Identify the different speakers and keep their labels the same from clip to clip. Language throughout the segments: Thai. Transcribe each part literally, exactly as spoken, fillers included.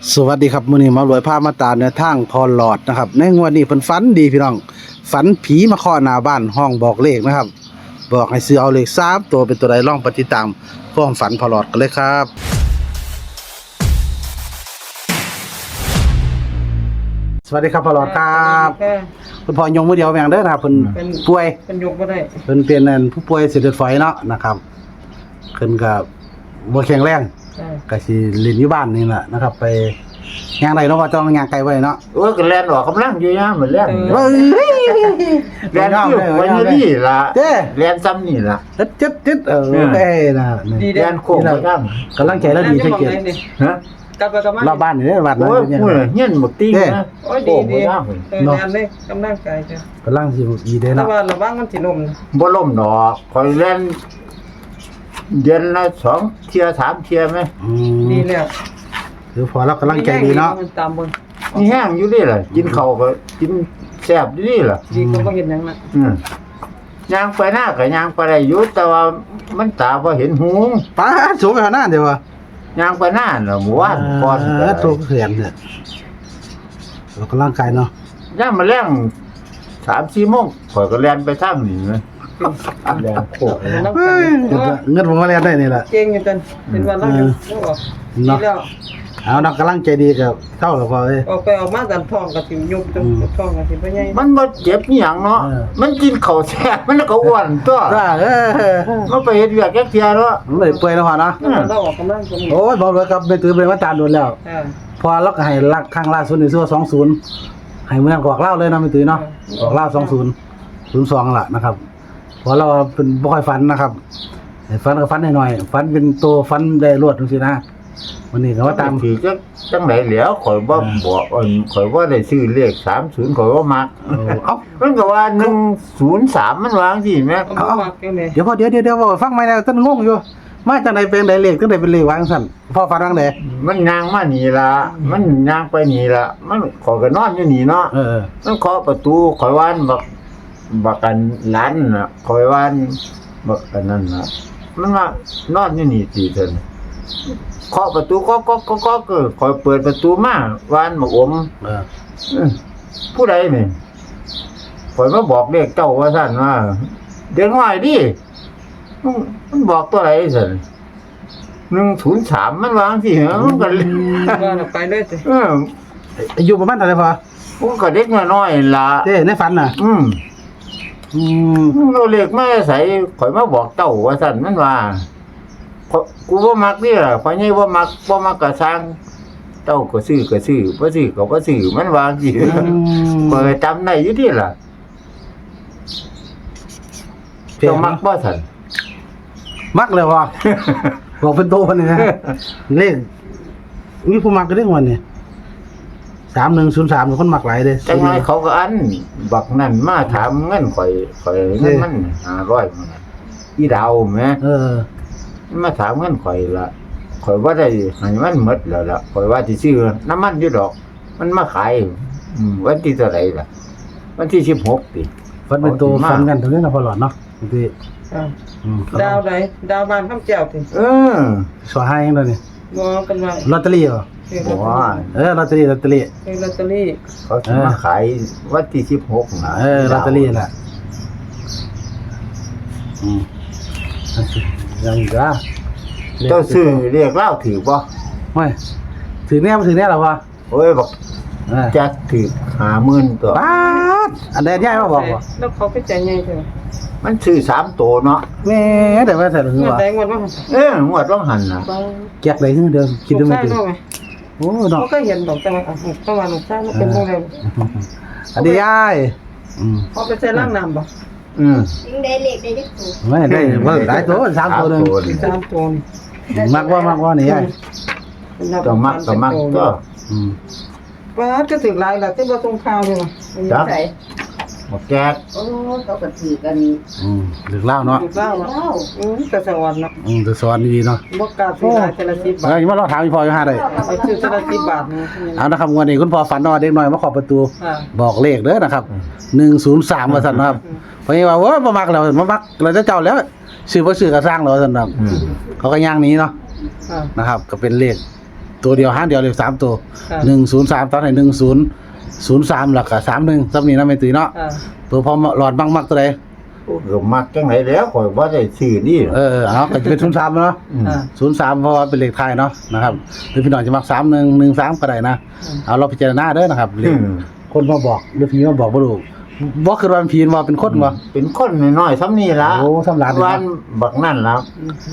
Speaker 1: สวัสดีครับมื้อนี้หมารวยพามาตามแนวทางพอหลอดนะครับในงวดนี้เพิ่นฝันดีพี่น้องฝันผีมาเคาะหน้าบ้านห้องบอกเลขนะครับบอกให้ซื้อเอาเลขสามตัวเป็นตัวใดลองไปฏิดตามความฝันพอหลอดกันเลยครับสวัสดีครับพอหลอดครับคุณพ่อยงมือเดียวแม่งเด้อนะครับเพิ่นป่วย
Speaker 2: เป็นยกบ่ได้
Speaker 1: เพิ่นเป็นอันผู้ป่วยเส้นเลือดฝอยเนาะนะครับเพิ่นก็บ่แข็งแรงก็สิเล่นอยู่บ้านนี่แหละนะครับไปย่างใดเนาะว่าต้องย่างไกลไว้เนาะ
Speaker 3: โอ้ยก็แล่นออกกำลังอยู่ยามเหมือนแล่น
Speaker 1: เฮ้ย
Speaker 3: แล่นอยู่วันนี้ล่ะแล่นซ้ำนี่ล่ะ
Speaker 1: จึ๊ดๆๆเออเอ้น่ะนี่
Speaker 3: แล่นโค้งไปทาง
Speaker 1: กำลังใจแล้วดีจังเกียรติ
Speaker 3: ฮะ
Speaker 2: กลับไปกลับมาร
Speaker 1: อบบ้านนี่เด้อวัดนั้น
Speaker 3: โอ้ยโอ้ยเฮียนบักติ้งนะ
Speaker 2: โอ้ยดีดีเออแล่นเลยกำลังใจจ้ะ
Speaker 1: กำลังสิดีเด้
Speaker 2: แต่
Speaker 1: เนาะ
Speaker 2: ว่าระวังมันสิล้มนะ
Speaker 3: บ่ล้มดอกข่อยแล่นเดือนละสองเที่ยสามเที่ยมั้ย
Speaker 1: อืม
Speaker 2: ดีแล้ว
Speaker 1: คือพอเรากำลังใจดีเนาะ
Speaker 2: ตามเบิ่ง
Speaker 3: นี่แห้งอยู่นี่ล่ะกินข้าวก็กินแซ่บอยู่นี่ล่ะ
Speaker 2: ดีก็บ่เห็นหยังน่ะ
Speaker 3: อืมย่างไปหน้าก็ย่างไปได้อยู่แต่ว่ามันตาบ่เห็นหู
Speaker 1: ป้าสูงไปขนาดเดียวว่ะ
Speaker 3: ย่างไปหน้าน่ะหมู่บ้านก่อน
Speaker 1: เออตัวเขียนเด้อเรากำลังกายเนาะ
Speaker 3: ย่ามมาแล้ง สามสี่โมงข่อยก็แล่นไปทางนี้มั้ยแล่นโค้ง
Speaker 1: เฮ้ยเงินผมมาเรียนได้นี่แหละ
Speaker 2: เก่งอยู่จังเป็นวันละอยู่ดีแล้ว
Speaker 1: เอานักกำลังใจดีกับเท่าแล้วพอเอ้ย
Speaker 2: ออกไปออกมาดันท้องก็สิยุบจังท้องก็สิบ่ใหญ่
Speaker 3: มันบ่เจ็บอีหยังเนาะมันกินข้าวแซ่บมันก็อ้วนตัว
Speaker 1: ว่าเออ
Speaker 3: มันไปเฮ็ดเวียกแก๊กเที่ยเนาะ
Speaker 1: มันไม่เปื่อยแล้วพอเนาะ
Speaker 2: เราออกกำลังกัน
Speaker 1: โอ้ยบอกเลยครับไปตื้อเป็นว่าตามโดนแล้วพอเราก็ให้ลักข้างล่าสุดในซั่วสองศูนย์ให้เมืองกอกเล่าเลยนะไม่ตื้อเนาะกอกเล่าสองศูนย์ศูนย์สองล่ะนะครับพอเราเป็นบ่ค่อยฝันนะครับฝันก็ฝันหน่อยๆฝันเป็นตัวฝันได้รวดจังซี่นะวันนี้ก็ว่าตาม
Speaker 3: ที่จังจังได๋แหล้วข่อยบ่บอกข่อยว่าได้ซื้อเลขสามศูนย์ข่อยว่ามักเอ้ามันก็ว่าหนึ่งศูนย์สามมันวางสิแม่
Speaker 2: เอามักจังได๋
Speaker 1: เดี๋ยวพอเดี๋ยวเดี๋ยวๆฟังใหม่แล้วท่านงงอยู่มาจากไหนเป็นไดเลขจังได๋เป็นเลขวางซั่นพ่อฝันวางได๋
Speaker 3: มันย่างมานี่ล่ะมันย่างไปนี่ล่ะมันข่อยก็นอนอยู่นี่เนาะ
Speaker 1: เออ
Speaker 3: มันเคาะประตูข่อยว่านบักบักกันหลานน่ะข่อยว่านบักอันนั้นน่ะมันว่านอนอยู่นี่สิเพิ่นเคาะประตูก็ก็ก็ก็ก็ข่อยเปิดประตูมาว่านบักอม
Speaker 1: เออ
Speaker 3: ผู้ใดนี่ข่อยมาบอกเลขเจ้าว่าซั่นว่าเด็กน้อยดิมันบอกตัวไหนซั่นหนึ่งศูนย์สามมันวางสิเหรอมันก็
Speaker 2: ว่าไปเลยสิ
Speaker 3: เออ
Speaker 1: อายุประมาณเท่าไหร่พอ
Speaker 3: ผมก็เด็กน้อยๆล่ะ
Speaker 1: เด้ในฝันน่ะ
Speaker 3: อืม
Speaker 1: อืม
Speaker 3: เราเลขมาใส่ข่อยมาบอกเจ้าว่าซั่นมันว่ากูบ่มักนี่ล่ะข่อยใหญ่บ่มักบ่มักก็สร้างเจ้าก็ซื้อก็ซื้อบ่ซื้อก็บ่ซื้อมันวางสิข่อยจำได้อยู่ติล่ะเจ้ามักบ่ซั่น
Speaker 1: มักเลยว่ะบอกเป็นโตเพิ่นนี่นะเลขมีผู้มักก็ได้วันนี้สามหนึ่งศูนย์สามคนมักหลายเด้
Speaker 3: จังได๋เขาก็อันบักนั่นมาถามเงินข่อยข่อยเงินมันห้าร้อยมันอีดาวแม่
Speaker 1: เออ
Speaker 3: มาถามเงินข่อยละข่อยว่าได้ให้มันหมดแล้วล่ะข่อยว่าสิซื้อน้ำมันอยู่ดอกมันมาขายอืมวันที่เท่าไหร่ล่ะวันที่สิบหกติ
Speaker 1: ฟันเป็นตัวฟันกันตรงนี้นะพอหลอดเนาะบางที
Speaker 2: ดาวใดดาวบ้านคำแก้วติ
Speaker 3: เออ
Speaker 1: สวให้จังได๋นี่
Speaker 2: บ่กันว่า
Speaker 1: ลอตเตอรี่เหรอ
Speaker 3: บ่
Speaker 1: เออลอตเตอรี่ลอตเตอรี่
Speaker 2: เออลอตเตอรี่
Speaker 3: เขาสิมาขายวันที่สิบหกน่ะ
Speaker 1: เออลอตเตอรี่น่ะอืมยังอีกอ่ะ
Speaker 3: เจ้าซื้อเรียกเล่าถือบ่
Speaker 1: ไม่ถือแน่บ่ถือแน่หรอวะ
Speaker 3: โอ้ยบอกจักถือห้าหมื่นตัว
Speaker 1: ป๊าดอันใดใหญ่มาบอกว่า
Speaker 2: แล้วเขาไปใจใหญ่เถอะ
Speaker 3: มันซื้อสามตัวเนาะ
Speaker 1: แม่แต่ว่าใส่ถึงว่า
Speaker 2: แต่งวดว่า
Speaker 3: เอองวดต้องหันน่ะ
Speaker 1: แจกได้คือเดิมคิดดูไม่ถึง
Speaker 2: โอ้ดอกก็เห็นดอกแต่ว่าประมาณนั้นใช่มันเป็นจังได๋
Speaker 1: อันนี้ยาย
Speaker 2: อืมเอาไปใส่ล้างน้ำบ่
Speaker 3: อืม
Speaker 4: ยิงได้เลขได้จักตัว
Speaker 1: ไม่ได้ว่าหลายตัวสามตัวนึง
Speaker 2: สามตัว
Speaker 1: มักว่ามักว่านี่ยาย
Speaker 3: ก็มักก็มักก็
Speaker 1: อืม
Speaker 2: ว่าก็ถึงหลายล่ะที่บ่ส่งข่าวเลยว่ะ
Speaker 3: จักบ่แก๊ก
Speaker 4: โอ้เขาก็ถือกัน
Speaker 1: อืมหรือเล่าเนาะ
Speaker 2: เล่าเนาะอือแต่สวรรค์เนาะ
Speaker 1: อืมแต่สวรรค์ดีเนาะ
Speaker 2: บ่กล้าซื้อหลายแต่ละสิบบาท
Speaker 1: เอ้ยมาลองถามอีพ่ออยู่ห้าได้
Speaker 2: เอาซื้อแต่ละสิบบาทนี่
Speaker 1: เอานะครับงวดนี้คุณพ่อฝันว่าเด็กน้อยมาขอประตูบอกเลขเด้อนะครับหนึ่งศูนย์สามว่าซั่นนะครับเพราะว่าโอ้ยบ่มักแล้วบ่มักเราจะเจ้าแล้วซื้อบ่ซื้อก็สร้างแล้วซั่นครับเขาก็ย่างนี้เนาะนะครับก็เป็นเลขตัวเดียวหางเดียวเลยสามตัว
Speaker 2: ค่ะ
Speaker 1: หนึ่งศูนย์สามตอนไหนหนึ่งศูนย์ศูนย์สามหลักกับสามหนึ่งซับนี้นะไม่ตื่นเนาะ
Speaker 2: อ่า
Speaker 1: ตัวพอหลอดบังมักตัวใด
Speaker 3: ก็มักจังไหนแล้วข่อยบ่ได้ซื้อนี่
Speaker 1: เออเอาก็จะเป็นศูนย์สามเนาะ
Speaker 3: อืม
Speaker 2: อ่า
Speaker 1: ศูนย์สามเพราะว่าเป็นเลขไทยเนาะนะครับหรือพี่น้องจะมักสามหนึ่งหนึ่งสามก็ได้นะเอาเราพิจารณาเด้อนะครับเลขคนมาบอกหรือผีมาบอกบ่รู้บ่คือว่าเป็นผีว่าเป็นคนบ่
Speaker 3: เป็นคนน้อยๆซ้ำนี่ล่ะ
Speaker 1: โอ้ซ้ำหลานนี่นะ
Speaker 3: วันบักนั่นล่ะ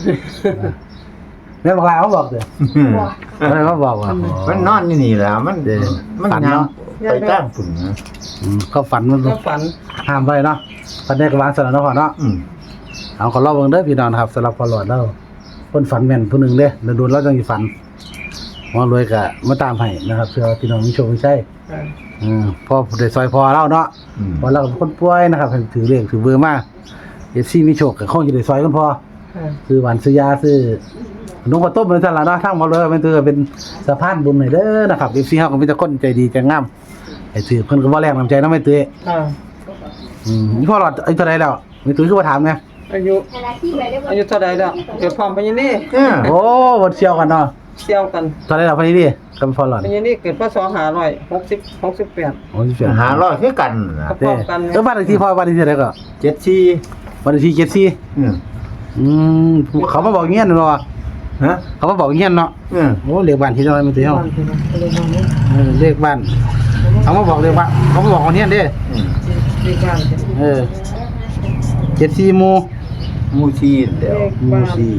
Speaker 1: แม่บอกลาเขาบอกเด้อไม่มาบอกว่า
Speaker 3: มันนอนอยู่นี่ล่ะมัน
Speaker 1: เด้อ
Speaker 3: มัน
Speaker 1: ฝัน
Speaker 3: ยัง
Speaker 1: เนาะ
Speaker 3: ไปตั้งฝุ่นนะ
Speaker 1: อืมเขาฝันมัน
Speaker 2: ก็ฝัน
Speaker 1: ห้ามไว้เนาะฝันได้ก็วางสนเนาะพ่อเนาะ
Speaker 3: อืม
Speaker 1: เอาขอเล่าเบิ่งเด้อพี่น้องนะครับสำหรับพอหลอดเราคนฝันแม่นผู้หนึงเด้แล้วโดนเราจังสิฝันหมอรวยก็มาตามให้นะครับเพื่อพี่น้องมีโชคมีชัย
Speaker 2: อ่า
Speaker 1: อืมพอได้ซอยพอเราเนาะ
Speaker 3: อืม
Speaker 1: พอเราเป็นคนป่วยนะครับให้ถือเลขถือเบอร์มาเอฟซีมีโชคก็คงจะได้ซอยกันพอ
Speaker 2: อ่า
Speaker 1: ซื้อหวานซื้อยาซื้อขนมข้าวต้มเป็นสั่นล่ะเนาะทั้งหมดเลยเป็นถือเป็นสะพานบุญให้เด้อนะครับ เอฟ ซี เฮาก็มีแต่คนใจดีใจงามให้ถือเพิ่นก็บ่แรงน้ำใจนำไม่ตื้อ
Speaker 2: อ่า
Speaker 1: อืมนี่พ่อหลอดอายุเท่าไหร่แล้วไม่ตื้อคือบ่ถามไง
Speaker 2: อายุ
Speaker 4: ขณะที่ไปได้บ่
Speaker 2: อายุเท่าใดแล้วเกิดพร้อมพญานี่
Speaker 3: เออ
Speaker 1: โอ้บ่เชี่ยวกันเนาะ
Speaker 2: เสี่ยวกัน
Speaker 1: เท่าไหร่แล้วพอดีดิกับพ่อหลอด
Speaker 2: พญานี่เกิดพศห้าร้อยหกสิบ หกสิบแปด
Speaker 1: โอ้ยเสีย
Speaker 3: หาร้อยคือกันน่ะ
Speaker 2: พร้อมกัน
Speaker 1: เออบ้านเลขที่พ่อบ้านเลขที่เท่าไหร่ก็
Speaker 3: เจ็ดสี่
Speaker 1: บ้านเลขที่เจ็ดสี่
Speaker 3: อืม
Speaker 1: อืมเขามาบอกเงี้ยนเนาะ
Speaker 3: ฮะ
Speaker 1: เขามาบอกเงี้ยนเนาะ
Speaker 3: อืม
Speaker 1: โอ้เลขบ้านที่เท่าไหร่ไม่ตื้อเฮา
Speaker 2: บ้านที่นั่นก็เลยมาเนี่ย
Speaker 1: เออเลขบ้านเขามาบอกเลขบ้านเขามาบอกคนเนี้ยเด้
Speaker 3: อืม
Speaker 2: เลขบ้าน
Speaker 1: เออเจ็ดสี่หมู่
Speaker 3: หมูชีเดี๋ยว
Speaker 2: เลข
Speaker 1: หมู่
Speaker 2: บ้าน
Speaker 1: สี่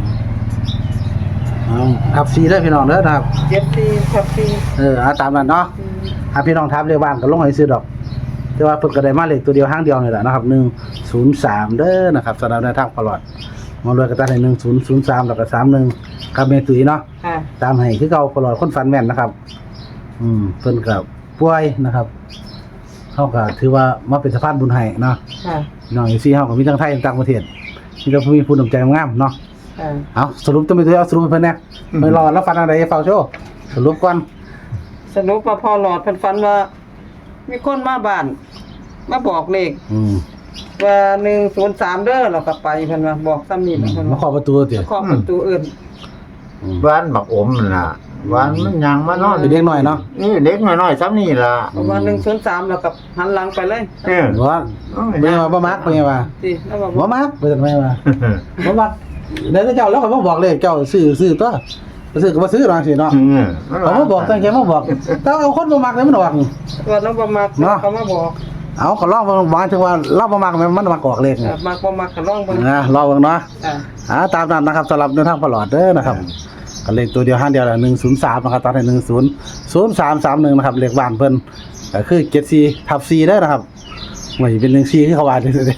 Speaker 1: เอาขับสี่เด้อพี่น้องเด้อนะครับ
Speaker 2: เจ็ดสี่ทับสี่
Speaker 1: เออเอาตามนั้นเนาะถ้าพี่น้องทับเลขบ้านก็ลงให้ซื้อดอกแต่ว่าเพิ่นก็ได้มาเลขตัวเดียวห้างเดียวนี่แหละนะครับหนึ่งศูนย์สามเด้อนะครับสำหรับในทางตลอดมารวยก็ตัดให้หนึ่งศูนย์ศูนย์สามแล้วก็สามหนึ่งกับเมตุยเนาะ
Speaker 2: ค่ะ
Speaker 1: ตามให้คือเก่าตลอดคนฟันแม่นนะครับ อืมเพิ่นก็ป่วยนะครับเฮาก็ถือว่ามาเป็นสะพานบุญให้เนาะ
Speaker 2: ค่ะ
Speaker 1: พี่น้องอีซี่เฮาก็มีทั้งไทยทั้งต่างประเทศมีแต่ผู้มีผู้นำใจงามเนาะ
Speaker 2: ค่ะ
Speaker 1: เอาสรุปตัวไม่ตัวเอาสรุปให้เพิ่นแหน่ไม่รอแล้วฟันอะไรฟังโชว์สรุปก่อน
Speaker 2: สรุปว่าพอหลอดเพิ่นฝันว่า มีคนมาบ้าน มาบอกเลข
Speaker 1: อืม
Speaker 2: ว่าหนึ่งศูนย์สามเด้อเราก็ไปเพิ่นว่าบอกซ้ำนี่เพิ่น
Speaker 1: มา
Speaker 2: ว่า
Speaker 1: ขอประตูติ
Speaker 2: เคาะประตูอื่น
Speaker 1: อืม
Speaker 3: บ้านบักอมนั่นล่ะบ้านมันยังมานอน
Speaker 1: เป็นเด็กน้อยเนาะ
Speaker 3: นี่เด็กน้อยๆซ้ำนี่ล่ะ
Speaker 2: เพราะว่าหนึ่งศูนย์สามเราก็หันหลังไปเลย
Speaker 3: เออ
Speaker 1: ว่าเป็นไงว่าบ่มักเป็นไงว่า
Speaker 2: สิแล้วว่า
Speaker 1: บ่มักเป็นไงว่าบ่มักเดี๋ยวเจ้าแล้วก็มาบอกเลยเจ้าซื้อซื้อตัวซื้อก็บ่ซื้อหรอกสิเนาะ
Speaker 3: เออ
Speaker 1: เขามาบอกตั้งใจมาบอกแต่เอาคนบ่มักเลยมันออก
Speaker 2: ว่าเราบ่มัก
Speaker 1: เนาะ
Speaker 2: เขามาบอก
Speaker 1: เอาก็ลองวางถึงว่าเราบ่มักมันมักออกเลข
Speaker 2: เออมักบ่มักก็ลองเบิ่ง
Speaker 1: นะรอเบิ่งเนาะ
Speaker 2: อ่า
Speaker 1: อ่าตามนั้นนะครับสำหรับเดินทางตลอดเด้อนะครับก็เลขตัวเดียวห้างเดียวแหละหนึ่งศูนย์สามนะครับตอนนี้หนึ่งศูนย์ศูนย์สามสามหนึ่งนะครับเลขบ้านเพิ่นก็คือเจ็ดสี่ทับสี่เด้อนะครับไม่เป็นหนึ่งสี่ที่เขาว่าเด้อ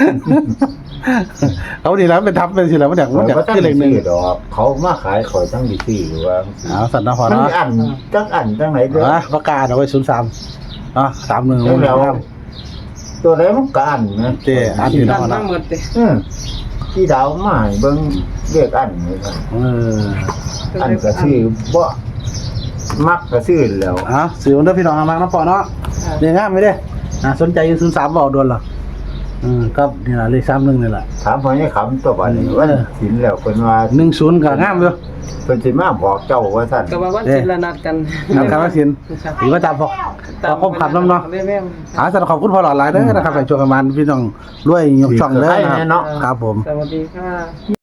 Speaker 1: เขาดีแล้วเป็นทับเป็นสิแล้วมันอยากมันอยาก
Speaker 3: เขาตั้ง
Speaker 1: คือเลขหนึ่ง
Speaker 3: ซื้อดอกเขามาขายข่อยตั้งดีซื้อหรือว่า
Speaker 1: เอาสัตว์นะพอ
Speaker 3: มัน
Speaker 1: เนาะ
Speaker 3: มีอันจักอันจังไหนเด้อ
Speaker 1: อ่ะประกาศเอาไว้ศูนย์สามเนาะสามหนึ่ง
Speaker 3: แล้วแล้วตัวไหนมันก็อันนะ
Speaker 1: เจ้อันที่
Speaker 2: ดั
Speaker 1: เนาะ
Speaker 2: นมา
Speaker 1: เนาะ
Speaker 2: หมดเด้
Speaker 3: อืมที่ดาวมาให้เบิ่งเรียกอันนี่ครับ
Speaker 1: เออ
Speaker 3: อันก็ซื้อบ่มักก็ซื้อแล้ว
Speaker 1: เอาสื่อวันเด้อพี่น้องเอามาน้ำปอเนาะ
Speaker 2: อ่า
Speaker 1: เรียงง่ายไหมเด้อ่าสนใจอยู่ศูนย์สามบอกโดนเหรออืมก็นี่แหละเลขสามหนึ่งนี่แหละ
Speaker 3: ถามพ่อนี่ขำตัวบัดนี้ว่าสินแล้วเพิ่นว่า
Speaker 1: หนึ่งศูนย์ก็ง่ามอยู่
Speaker 3: เพิ่นสิมาบอกเจ้าว่าซั่น
Speaker 2: ก็ว่าวันศิลนัดกัน
Speaker 1: นำคำว่าสินหรือว่าตามพอพอคบขับน้ำเนาะ
Speaker 2: แม่
Speaker 1: อาสำหรับขอบคุณพอหลอดหลายเด้อนะครับไปชวนกันมาพี่น้องรวยยกช่องเด้อนะครับครับผม
Speaker 2: สวัสดีค่ะ